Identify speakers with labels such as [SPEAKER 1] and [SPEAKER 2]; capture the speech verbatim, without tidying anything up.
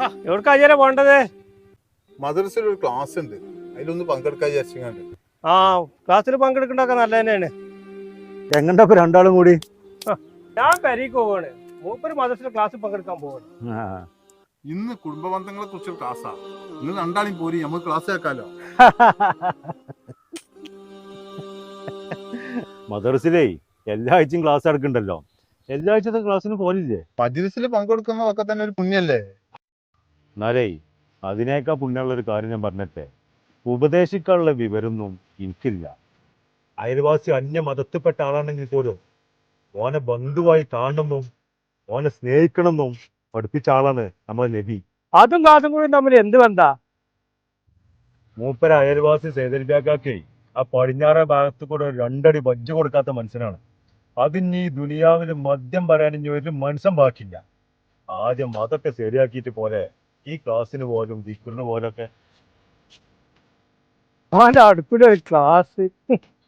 [SPEAKER 1] എവിടേക്കാ അജയനെ പോണ്ടത്?
[SPEAKER 2] മദ്രസയിൽ ഒരു ക്ലാസ് ഉണ്ട്, അതിലൊന്ന് പങ്കെടുക്കാൻ വിചാരിച്ചു.
[SPEAKER 1] ആ ക്ലാസ്സിൽ പങ്കെടുക്കണ്ടൊക്കെ നല്ല തന്നെയാണ്.
[SPEAKER 3] എങ്ങണ്ടാ ഇപ്പൊ രണ്ടാളും കൂടി?
[SPEAKER 1] ഞാൻ പെരീക്ക് പോവാണ്. മൂപ്പര് മദ്രസയിൽ ക്ലാസ്സിൽ പങ്കെടുക്കാൻ പോവാണ്.
[SPEAKER 2] ഇന്ന് കുടുംബ ബന്ധങ്ങളെ കുറിച്ച് ക്ലാസ്സാ. നിങ്ങൾ രണ്ടാളും പോരി, നമുക്ക് ക്ലാസ് കേൾക്കാലോ.
[SPEAKER 3] മദ്രസിലേ എല്ലാ ആഴ്ചയും ക്ലാസ് എടുക്കണ്ടല്ലോ. എല്ലാ ആഴ്ചത്തെ ക്ലാസ്സിന് പോലില്ലേ?
[SPEAKER 2] മജ്ലിസിൽ പങ്കെടുക്കുന്നതൊക്കെ തന്നെ ഒരു പുണ്യല്ലേ?
[SPEAKER 3] എന്നാലേ അതിനേക്കാൾ പുണ്യമുള്ള ഒരു കാര്യം ഞാൻ പറഞ്ഞിട്ടെ, ഉപദേശിക്കാനുള്ള വിവരമൊന്നും എനിക്കില്ല. അയൽവാസി അന്യ മതത്തിൽപ്പെട്ട ആളാണെങ്കിൽ പോലും ഓനെ ബന്ധുവായി കാണണമെന്നും ഓനെ സ്നേഹിക്കണമെന്നും പഠിപ്പിച്ച ആളാണ് നമ്മളെ നബി.
[SPEAKER 1] അതും ക്ലാസ്സും കൂടി തമ്മിൽ എന്ത് ബന്ധാ?
[SPEAKER 3] മൂപ്പര അയൽവാസി സേതൽബാക്കാക്കേ ആ പടിഞ്ഞാറേ ഭാഗത്ത് കൂടെ ഒരു രണ്ടടി ബജ്ജ് കൊടുക്കാത്ത മനുഷ്യനാണ്. അതിന് ഈ ദുനിയാവിൽ മദ്യം പറയാൻ ഇനി ഒരു മനുഷ്യൻ ബാക്കില്ല. ആദ്യം അതൊക്കെ ശരിയാക്കിയിട്ട് പോലെ ഈ ക്ലാസ്സിന് പോലും ദിക്റിന് പോലൊക്കെ.
[SPEAKER 1] അവന്റെ അടുപ്പിലൊരു ക്ലാസ്